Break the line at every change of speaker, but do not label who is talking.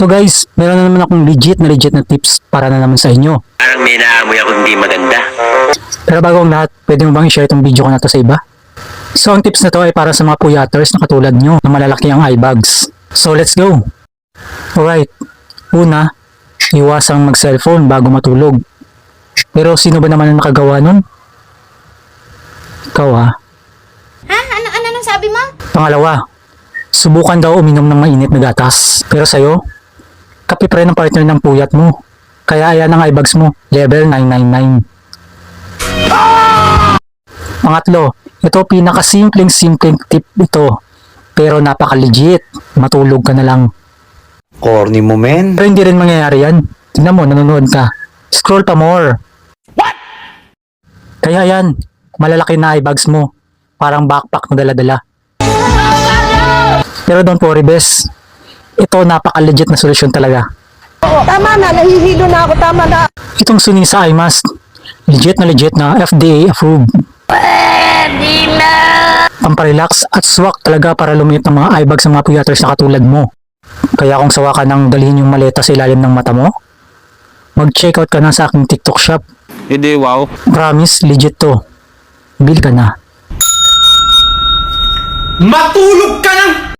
So guys, meron na naman akong legit na tips para na naman sa inyo.
Parang may naamoy ako hindi maganda.
Pero bago ang lahat, pwede mo bang i-share itong video ko na to sa iba? So ang tips na to ay para sa mga puyaters na katulad nyo na malalaki ang eye bags. So let's go! Alright, una, iwasang mag-cellphone bago matulog. Pero sino ba naman ang nakagawa nun? Ikaw ha?
Ha? Ano nang sabi mo?
Pangalawa, subukan daw uminom ng mainit na gatas. Pero sa'yo, kape pa rin ang partner ng puyat mo. Kaya ayan ang eyebags mo, level 999. Pangatlo, ito pinakasimpleng tip ito. Pero napaka-legit, matulog ka na lang.
Corny mo, men.
Pero hindi rin mangyayari yan. Tingnan mo, nanonood ka. Scroll pa more. What? Kaya yan, malalaki na eyebags mo. Parang backpack na dala-dala. Pero don't worry, bes. Ito napaka-legit na solusyon talaga.
Tama na, nahihilo na ako, tama na.
Itong Sunisa Eye Mask, legit na FDA approved. Pamparelax at swak talaga para lumiit ng mga eyebags sa mga puyaters na katulad mo. Kaya kung sawa ka nang dalhin yung maleta sa ilalim ng mata mo, mag-check out ka na sa aking TikTok shop.
Hindi, wow.
Promise, legit to. Bil ka na.
Matulog ka ng